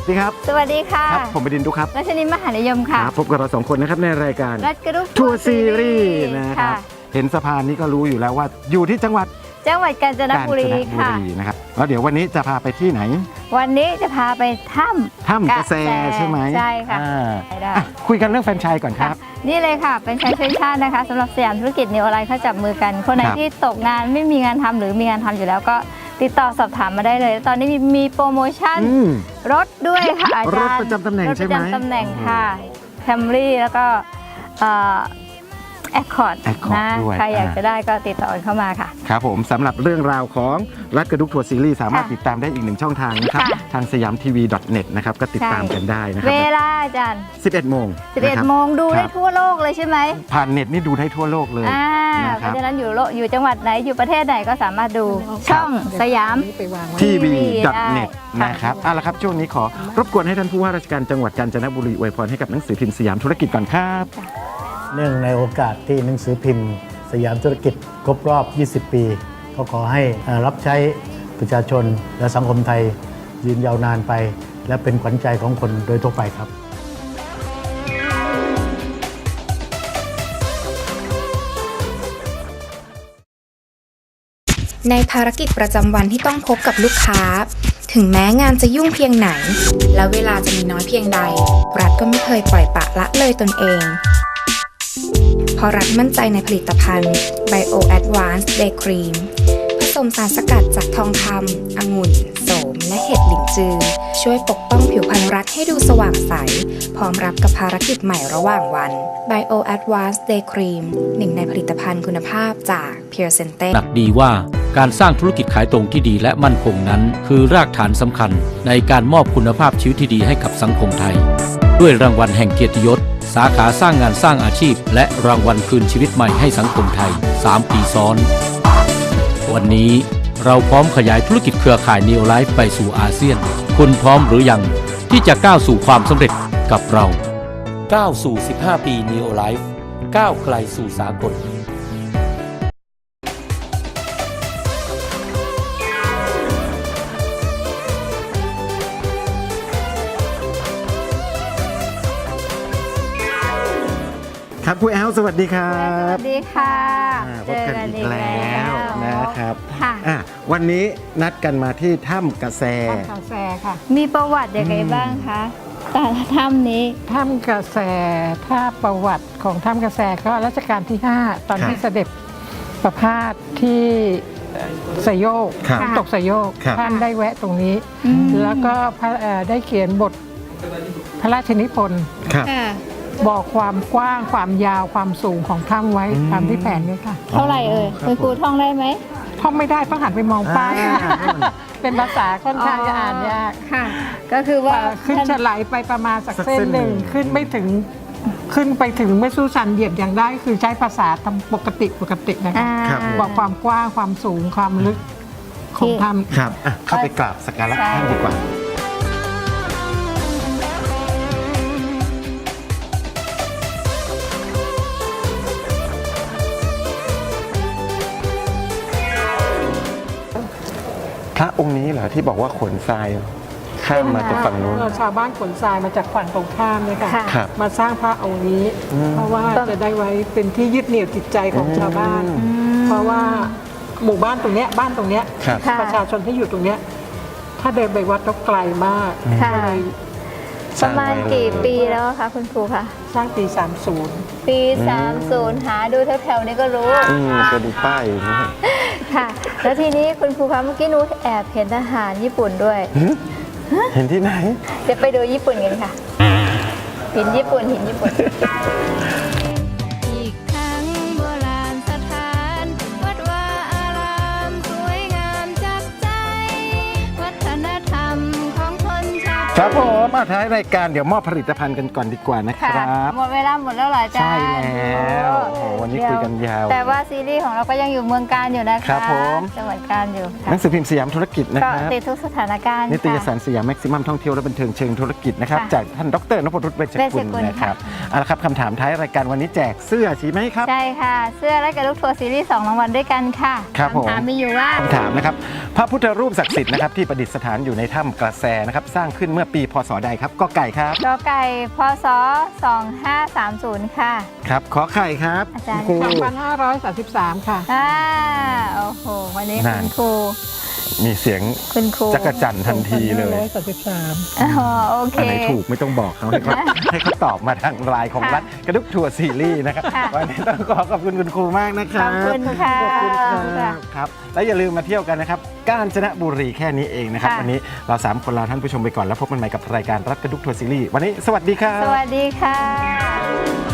ดีครับสวัสดีค่ะครับผมบดินทร์ดุครับรัชนินมหานิยมค่ะพบกับเรา2 คนนะครับในรายการรัฐกระดุกทัวร์ซีรีส์นะครับเห็นสะพานนี้ก็รู้อยู่แล้วว่าอยู่ที่จังหวัดกาญจนบุรีค่ะนะครับแล้วเดี๋ยววันนี้จะพาไปที่ไหนวันนี้จะพาไปถ้ำกระแสใช่ไหมใช่ค่ะคุยกันเรื่องแฟรนไชส์ก่อนครับนี่เลยค่ะเป็นช่วยชาตินะคะสำหรับสยามธุรกิจนิวออนไลน์เขาจับมือกันคนไหนที่ตกงานไม่มีงานทำหรือมีงานทำอยู่แล้วก็ติดต่อสอบถามมาได้เลยตอนนี้มีโปรโมชั่นรถด้วยค่ะอาจารย์รถประจำตำแหน่งใช่ไหมรถประจำตำแหน่งค่ะแคมรี่แล้วก็แอคคอร์ดนะใครอยากจะได้ก็ติดต่อเข้ามาค่ะครับผมสำหรับเรื่องราวของรัฐกระดุกทัวร์ซีรีส์สามารถติดตามได้อีก1ช่องทางนะครับทางsiyamtv.net นะครับก็ติดตามกันได้นะครับเวลาอาจารย์ 11 โมงดูได้ทั่วโลกเลยใช่ไหมผ่านเน็ตนี่ดูได้ทั่วโลกเลยเพราะฉะนั้นอยู่จังหวัดไหนอยู่ประเทศไหนก็สามารถดูช่องสยาม tv.net นะครับเอาละครับช่วงนี้ขอรบกวนให้ท่านผู้ว่าราชการจังหวัดกาญจนบุรีอวยพรให้กับหนังสือพิมพ์สยามธุรกิจก่อนครับเนื่องในโอกาสที่หนังสือพิมพ์สยามธุรกิจครบรอบ 20 ปีก็ขอให้รับใช้ประชาชนและสังคมไทยยืนยาวนานไปและเป็นขวัญใจของคนโดยทั่วไปครับในภารกิจประจำวันที่ต้องพบกับลูกค้าถึงแม้งานจะยุ่งเพียงไหนและเวลาจะมีน้อยเพียงใดรัฐก็ไม่เคยปล่อยปละละเลยตนเองเพราะรัฐมั่นใจในผลิตภัณฑ์ Bio Advanced Day Cream ผสมสารสกัดจากทองคำองุ่นโสมและเห็ดหลินจือช่วยปกป้องผิวพรรณรัฐให้ดูสว่างใสพร้อมรับกับภารกิจใหม่ระหว่างวัน Bio Advanced Day Cream หนึ่งในผลิตภัณฑ์คุณภาพจาก Pure Sente หนักดีว่าการสร้างธุรกิจขายตรงที่ดีและมั่นคงนั้นคือรากฐานสำคัญในการมอบคุณภาพชีวิตที่ดีให้กับสังคมไทยด้วยรางวัลแห่งเกียรติยศสาขาสร้างงานสร้างอาชีพและรางวัลคืนชีวิตใหม่ให้สังคมไทย3 ปีซ้อนวันนี้เราพร้อมขยายธุรกิจเครือข่าย Neo Life ไปสู่อาเซียนคุณพร้อมหรือยังที่จะก้าวสู่ความสำเร็จกับเราก้าวสู่15 ปี Neo Life ก้าวไกลสู่สากลครับคุณแอลสวัสดีครับสวัสดีค่ะพบกันอีกแล้วนะครับค่ะวันนี้นัดกันมาที่ถ้ำกระแสค่ะมีประวัติยังไงบ้างคะแต่ถ้ำนี้ถ้ำกระแสถ้าประวัติของถ้ำกระแสก็รัชกาลที่5ตอนที่เสด็จประพาสที่สยโยกน้ำตกสยโยกท่านได้แวะตรงนี้แล้วก็ได้เขียนบทพระราชนิพนธ์บอกความกว้างความยาวความสูงของถ้ำไว้ตามที่แผนนี้ค่ะเท่าไหร่คุณครูท่องได้ไหมท่องไม่ได้ต้องหันไปมองป้ายเป็นภาษาค่อนข้างจะอ่านยากค่ะก็คือว่าขึ้นจะไหลไปประมาณสักเส้นหนึ่งขึ้นไปถึงไม่สู้ชันเหยียบอย่างได้คือใช้ภาษาทำปกตินะคะบอกความกว้างความสูงความลึกของถ้ำครับเข้าไปกราบสักการะท่านดีกว่าพระองค์นี้เหรอที่บอกว่าขนทรายข้ามมาจากฝั่งนู้นชาวบ้านขนทรายมาจากฝั่งตรงข้ามเลยค่ะมาสร้างพระองค์นี้เพราะว่าจะได้ไว้เป็นที่ยึดเหนี่ยวจิตใจของชาวบ้านเพราะว่าหมู่บ้านตรงเนี้ยบ้านตรงเนี้ยประชาชนที่อยู่ตรงเนี้ยถ้าเดินไปวัดต้องไกลมากประมาณกี่ปีแล้วคะคุณครูคะสร้างปี30 ปี30หาดูแถวๆนี้ก็รู้จะดูป้ายค่ะแล้วทีนี้คุณครูคะเมื่อกี้หนูแอบเห็นทหารญี่ปุ่นด้วยเห็นที่ไหนเดี๋ยวไปดูญี่ปุ่นกันค่ะหินญี่ปุ่นอีกทั้งโบราณสถานวัดวาอารามสวยงามจับใจวัฒนธรรมของคนชาวครับผมมาท้ายรายการเดี๋ยวมอบผลิตภัณฑ์กันก่อนดีกว่านะครับหมดเวลาหมดแล้วเหรอจ๊ะใช่แล้ววันนี้คุยกันยาวแต่ว่าซีรีส์ของเราก็ยังอยู่เมืองการอยู่นะคะครับผมจังหวัดการอยู่หนังสือพิมพ์สยามธุรกิจนะครับติดทุกสถานการณ์นิตยสารสยามแม็กซิมัมท่องเที่ยวและบันเทิงเชิงธุรกิจนะครับจากท่านดร.นพรุตเวชกุลนะครับเอาละครับคำถามท้ายรายการวันนี้แจกเสื้อใช่ไหมครับใช่ค่ะเสื้อและกระลุกทัวร์ซีรีส์2 รางวัลด้วยกันค่ะคำถามมีอยู่ว่าคำถามนะครับพระพุทธรูปศักดิ์สิทธิ์นะครับที่ประดิษฐานอยู่ในถ้ำกระแสนะครับสร้างขึ้นเมื่อปีพศใดครับกอไก่ครับกไก่พศ 2530 ค่ะครับขอไข่ครับอาจารย์ครู 2533 ค่ะโอ้โห วันนี้นั่คุนณครูมีเสียงคุณครูจักรจั่นทันทีเลย 2533 อ๋อโอเคอันไหนถูกไม่ต้องบอกเขาให้เขา ให้เขาตอบมาทางไลน์ของค่ะรัฐกระดุกทัวร์ซีรีส์นะครับค่ะวันนี้ต้องขอบคุณคุณครูมากนะคขรัอบบคุณค่ะขอบคุณขอบคุณครัค่ะบครับและอย่าลืมมาเที่ยวกันนะครับกาญจนบุรีแค่นี้เองนะครับค่ะวันนี้เรา3คนลาท่านผู้ชมไปก่อนแล้วพบกันใหม่กับรายการรัฐกระดุกทัวร์ซีรีส์วันนี้สวัสดีครับสวัสดีค่ะ